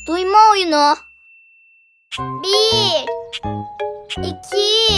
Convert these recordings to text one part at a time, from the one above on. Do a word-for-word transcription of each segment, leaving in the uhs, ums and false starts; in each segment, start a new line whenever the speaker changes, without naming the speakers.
Duyma oyunu. Bir, iki,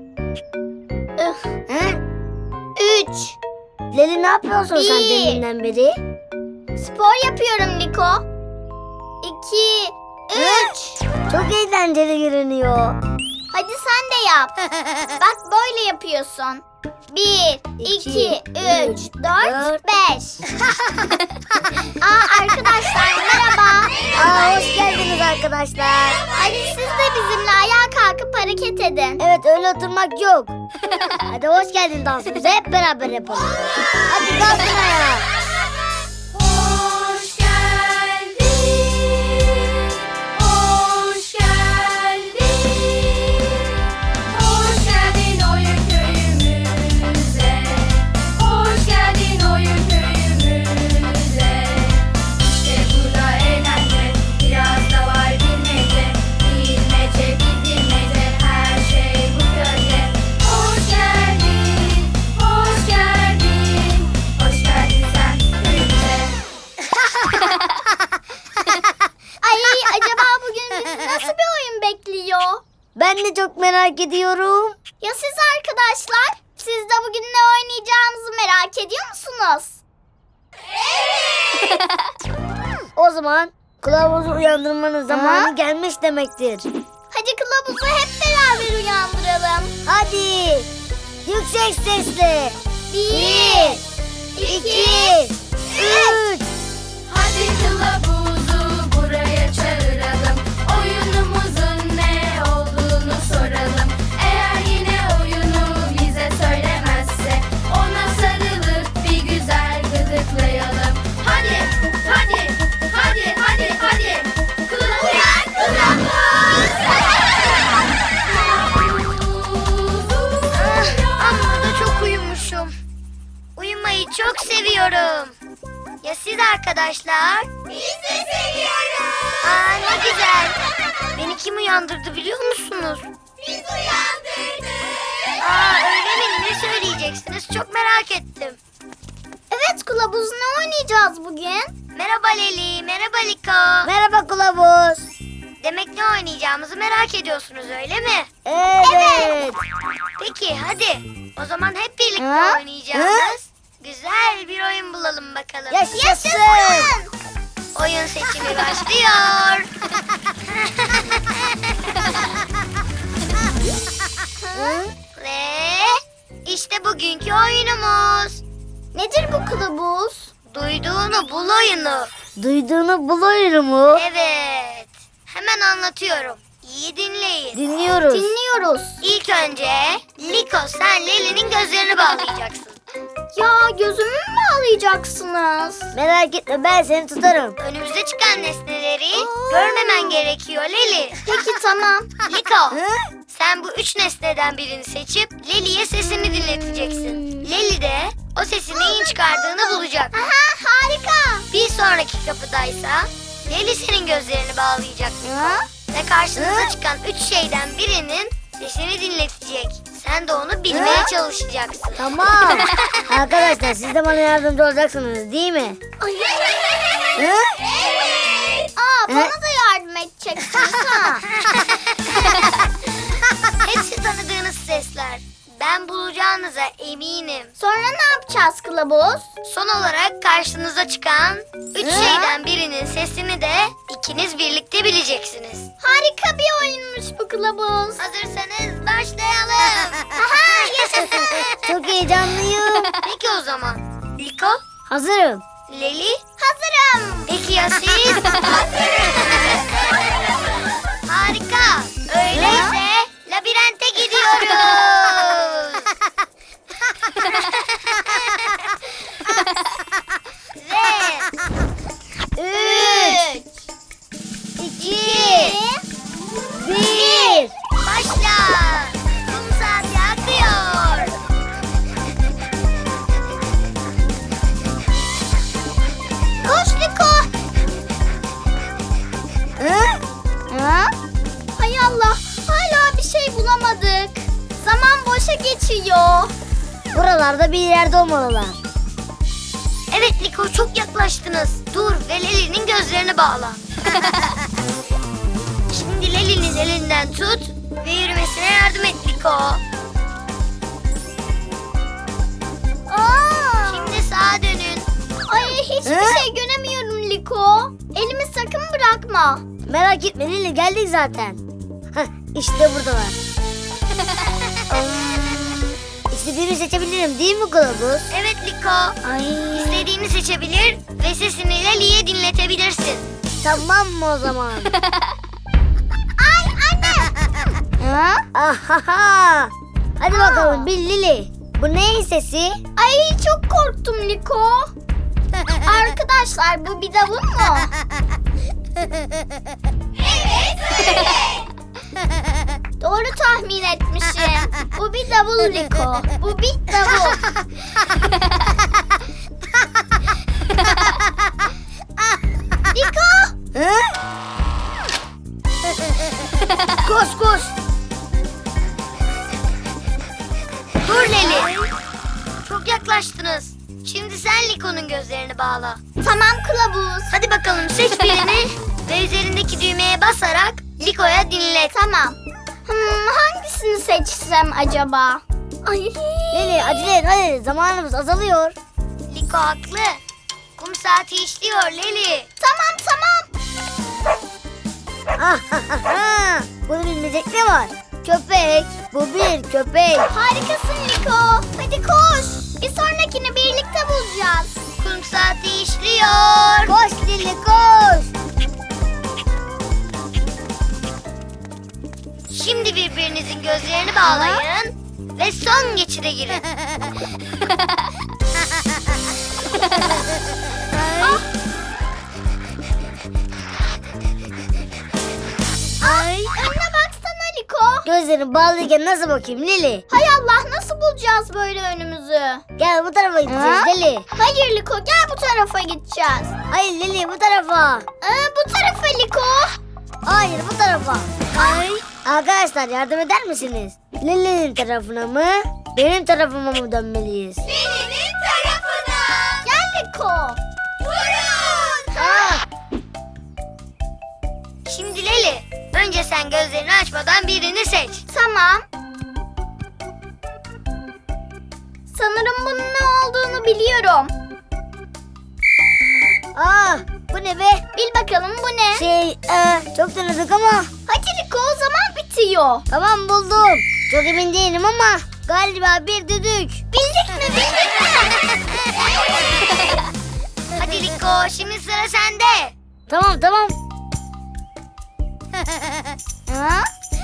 He?
üç.
Leli ne yapıyorsun sen
Bir.
deminden beri?
Spor yapıyorum Liko. İki, üç.
Çok eğlenceli görünüyor.
Hadi sen de yap. Bak böyle yapıyorsun. Bir,
İki,
iki, üç,
üç,
dört,
dört.
beş. Aa arkadaşlar merhaba.
Aa, hoş geldiniz arkadaşlar.
Hadi siz de bizimle ayağa kalkıp hareket edin.
Evet, öyle oturmak yok. Hadi hoş geldin dansımıza, hep beraber yapalım. Hadi kalkın ayağa.
Hoş geldin, hoş geldin, hoş geldin oyun köyümüze, hoş geldin oyun köyümüze. İşte burada eğlence, biraz da var bilmece, bilmece bilmece, her şey bu köyde. Hoş geldin, hoş geldin, hoş geldin sen köyümüze.
Ay acaba bugün bizi nasıl bir oyun bekliyor?
Ben de çok merak ediyorum.
Ya siz arkadaşlar? Siz de bugün ne oynayacağımızı merak ediyor musunuz?
O zaman kılavuzu uyandırmanın zamanı
Ha?
gelmiş demektir.
Hadi kılavuzu hep beraber uyandıralım.
Hadi yüksek sesle.
Bir,
iki, üç.
Hadi kılavuzu buraya çağıralım. Oyunumuzun ne olduğunu soralım. Eğer yine oyunu bize söylemezse ona sarılıp bir güzel gıdıklayalım. Hadi, hadi, hadi, hadi, hadi. Kılavuz, kılavuz.
Amma da çok uyumuşum. Uyumayı çok seviyorum. Ya siz arkadaşlar?
Biz de seviyoruz.
Aa, ne güzel. Beni kim uyandırdı biliyor musunuz?
Biz uyandırdık.
Aa, öyle mi? Ne söyleyeceksiniz? Çok merak ettim.
Evet kılavuz ne oynayacağız bugün?
Merhaba Leli, merhaba Liko. Merhaba Kılavuz. Demek ne oynayacağımızı merak ediyorsunuz öyle mi?
Evet.
Peki hadi. O zaman hep birlikte
Ha?
oynayacağımız güzel bir oyun bulalım bakalım.
Yaşasın.
Oyun seçimi başlıyor. Ve işte bugünkü oyunumuz.
Nedir bu kılavuz?
Duyduğunu bul oyunu.
Duyduğunu bul oyunu mu?
Evet. Hemen anlatıyorum. İyi dinleyin.
Dinliyoruz.
Dinliyoruz.
İlk önce Liko sen Leli'nin gözlerini bağlayacaksın.
Ya gözümü mü bağlayacaksınız?
Merak etme, ben seni tutarım.
Önümüze çıkan nesneleri görmemen gerekiyor Leli.
Peki tamam.
Liko sen bu üç nesneden birini seçip Leli'ye sesini dinleteceksin. Leli de o sesin neyin çıkardığını bulacak.
Aha harika.
Bir sonraki kapıdaysa Leli senin gözlerini bağlayacak
Ha?
ve karşınıza çıkan üç şeyden birinin sesini dinletecek. Sen de onu bilmeye çalışacaksın.
Tamam. Arkadaşlar, siz de bana yardımcı olacaksınız değil mi? Hı?
Aa bana da yardım edeceksiniz ha.
Hepsi tanıdığınız sesler. Ben bulacağınıza eminim.
Sonra ne yapacağız kılavuz?
Son olarak karşınıza çıkan üç
Hı?
şeyden birinin sesini de ikiniz birlikte bileceksiniz.
Harika bir oyunmuş bu kılavuz.
Hazırsanız başlayalım.
Aha yaşasın.
Çok heyecanlıyım.
Peki o zaman. Liko,
Hazırım.
Leli,
Hazırım.
peki ya siz? Harika. Öyleyse labirente gidiyoruz. Ve
Üç.
iki,
Bir.
başla. Kum saati akıyor.
Koş Liko. Ha? Hay Allah. Hala bir şey bulamadık. Zaman boşa geçiyor.
Buralarda bir yerde olmalılar.
Evet Liko çok yaklaştınız. Dur ve Leli'nin gözlerini bağla. elinden tut ve yürümesine yardım et Liko.
Aa!
Şimdi sağa dönün.
Ay hiçbir
Hı?
şey göremiyorum Liko. Elimi sakın bırakma.
Merak etme Lili, geldik zaten. Hah, işte buradalar. İstediğimi seçebilirim değil mi kılavuz?
Evet Liko.
Ay.
İstediğini seçebilir ve sesini Leli'ye dinletebilirsin.
Tamam mı o zaman?
Ay anne. Ha?
Ahaha. Hadi bakalım bil Lili. Bu neyin sesi?
Ay çok korktum Liko. Arkadaşlar bu bir davul mu? Evet öyle. Doğru tahmin etmişim. Bu bir davul Liko. Bu bir davul. Liko.
Hı? Koş koş.
Dur Leli. Çok yaklaştınız. Şimdi sen Liko'nun gözlerini bağla.
Tamam kılavuz.
Hadi bakalım seç birini ve üzerindeki düğmeye basarak Liko'ya dinlet.
Tamam. Hmm, hangisini seçsem acaba? Ay.
Lili acele et hadi, zamanımız azalıyor.
Liko haklı. Kum saati işliyor Leli.
Tamam tamam.
Ahaha. Bunu bilmeyecek ne var? Köpek. Bu bir köpek.
Harikasın Liko. Hadi koş. Bir sonrakini birlikte bulacağız.
Kum saati işliyor.
Koş Lili koş.
Şimdi birbirinizin gözlerini bağlayın ve son geçide girin.
Ay. Önüne baksana Liko.
Gözlerini bağlıyken nasıl bakayım Lili?
Hay Allah nasıl bulacağız böyle önümüzü?
Gel bu tarafa gideceğiz
Ha?
Lili.
Hayır Liko gel bu tarafa gideceğiz.
Hayır Lili bu tarafa.
Aa, bu tarafa Liko.
Hayır bu tarafa.
Ay.
Arkadaşlar yardım eder misiniz? Lili'nin tarafına mı? Benim tarafıma mı dönmeliyiz?
Senin tarafına. Gel Liko. Durun.
Aa,
Şimdi Leli, önce sen gözlerini açmadan birini seç.
Tamam. Sanırım bunun ne olduğunu biliyorum.
aa, bu ne be?
Bil bakalım bu ne?
Şey, e, çok tanıdık ama.
Hadi Liko o zaman bitiyor.
Tamam buldum. Çok emin değilim ama galiba bir düdük.
Bildik mi bildik mi?
Hadi Liko, şimdi sıra sende.
Tamam tamam.
Ha?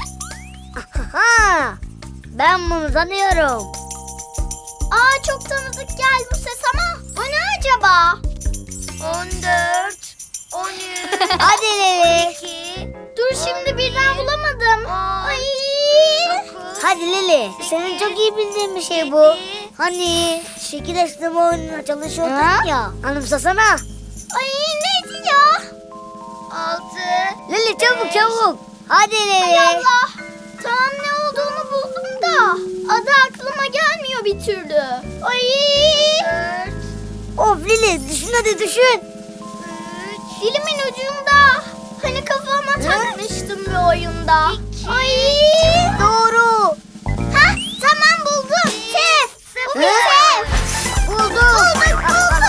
Ha, ben bunu tanıyorum.
Aa çok tanıdık geldi bu ses ama bu ne acaba?
on dört, on üç,
Hadi Lili.
iki,
Dur şimdi birden bulamadım.
on,
Ay.
dokuz,
Hadi Lili. Senin çok iyi bildiğin bir şey bu. Hani şekil açtırma oyununa çalışıyordun
Ha?
ya. Anımsasana.
Ay neydi ya?
altı,
Lili çabuk çabuk. Hadi
Ay
Lili.
Allah. Tamam ne olduğunu buldum da adı aklıma gelmiyor bir türlü. Ay.
dört,
Of Lili düşün hadi düşün.
üç,
Dilimin ucunda. Hani kafama takmıştım bir oyunda.
İki.
Ay.
Doğru.
Ha tamam buldum. Tef. Bu bir
Hı?
tef.
Buldum.
Bulduk bulduk.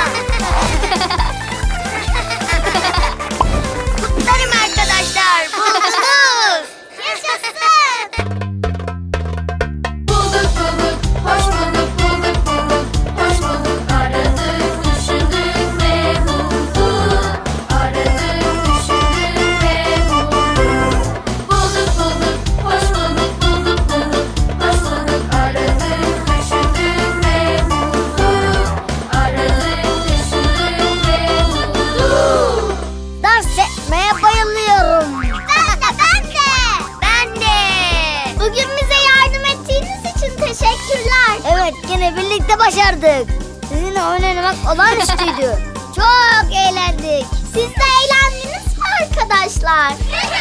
kutlarım arkadaşlar. Buldunuz.
Yaşasın.
Bulduk bulduk, hoş bulduk, bulduk bulduk, hoş bulduk. Aradık, düşündük ve bulduk. Aradık, düşündük ve bulduk. Bulduk bulduk, hoş bulduk, bulduk bulduk, hoş bulduk. Aradık, düşündük ve bulduk. Aradık, düşündük ve bulduk.
Dans etmeye bayılıyorum.
Ben de ben de.
Ben de.
Bugün bize yardım ettiğiniz için teşekkürler.
Evet gene birlikte başardık. Sizinle oyun oynamak olağanüstüydü. Çok eğlendik.
Siz de eğlendiniz mi arkadaşlar?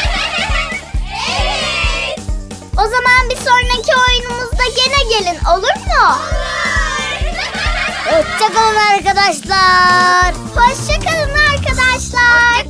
Evet.
O zaman bir sonraki oyunumuzda gene gelin olur mu?
Hoşçakalın arkadaşlar.
Hoşçakalın arkadaşlar.